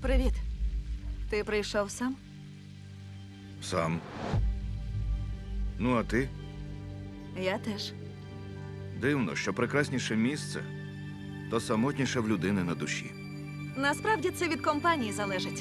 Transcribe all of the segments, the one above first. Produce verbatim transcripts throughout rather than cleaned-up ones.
Привіт. Ти прийшов сам? Сам. Ну, а ти? Я теж. Дивно, що прекрасніше місце, то самотніше в людини на душі. Насправді це від компанії залежить.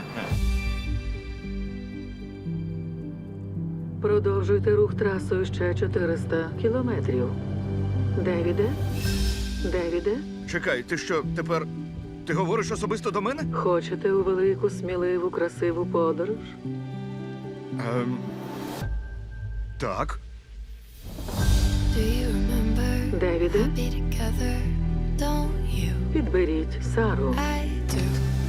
Продовжуйте рух трасою ще чотириста кілометрів. Девіде? Девіде? Чекай, ти що, тепер... Ти говориш особисто до мене? Хочете у велику, сміливу, красиву подорож? Ем... Так. Do you remember Девіде? be together? Don't you? Підберіть Сару. I do.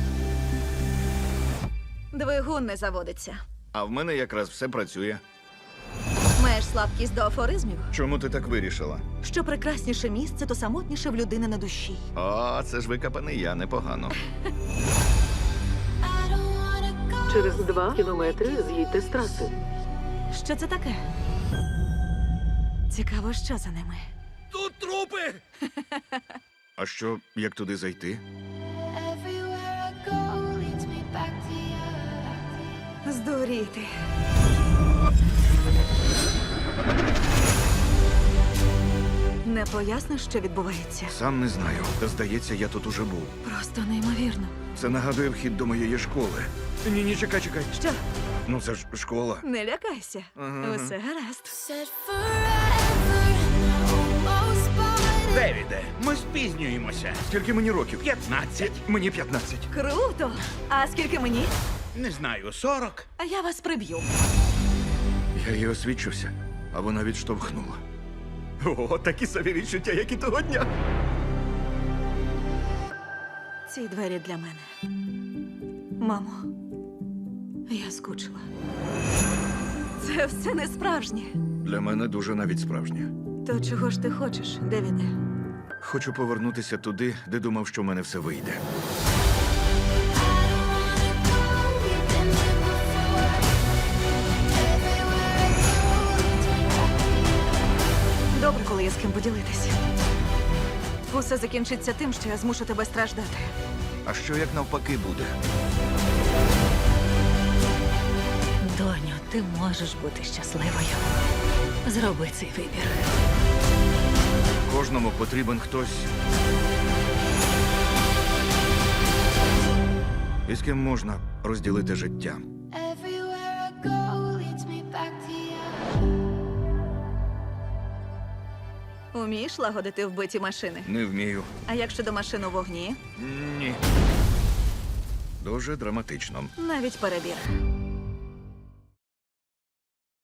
Двигун не заводиться. А в мене якраз все працює. Маєш слабкість до афоризмів? Чому ти так вирішила? Що прекрасніше місце, то самотніше в людини на душі. О, це ж викопаний я, непогано. I don't wanna go. Через два кілометри з'їдьте з траси. Що це таке? Цікаво, що за ними. Тут трупи! А що, як туди зайти? Everywhere I go leads me back to you. Здуріти. Не поясниш, що відбувається? Сам не знаю. Та здається, я тут уже був. Просто неймовірно. Це нагадує вхід до моєї школи. Ні, ні, чекай, чекай. Що? Ну це ж школа. Не лякайся. Ага. Усе гаразд. Said forever and I almost bought it. Девіде, ми спізнюємося. Скільки мені років? П'ятнадцять. Мені п'ятнадцять. Круто! А скільки мені? Не знаю, сорок. А я вас приб'ю. Я їй освідчився, а вона відштовхнула. О, такі собі відчуття, як і того дня. Ці двері для мене. Мамо, я скучила. Це все не справжнє. Для мене дуже навіть справжнє. То чого ж ти хочеш, Девіде? Хочу повернутися туди, де думав, що в мене все вийде. We've been here before. Everywhere I go leads me back to you. Добре, коли є з ким поділитися. Усе закінчиться тим, що я змушу тебе страждати. А що як навпаки буде? Доню, ти можеш бути щасливою. Зроби цей вибір. Кожному потрібен хтось. І з ким можна розділити життя. Everywhere I go leads me back to you. Умієш лагодити вбиті машини? Не вмію. А як щодо машин у вогні? Ні. Дуже драматично. Навіть перебір.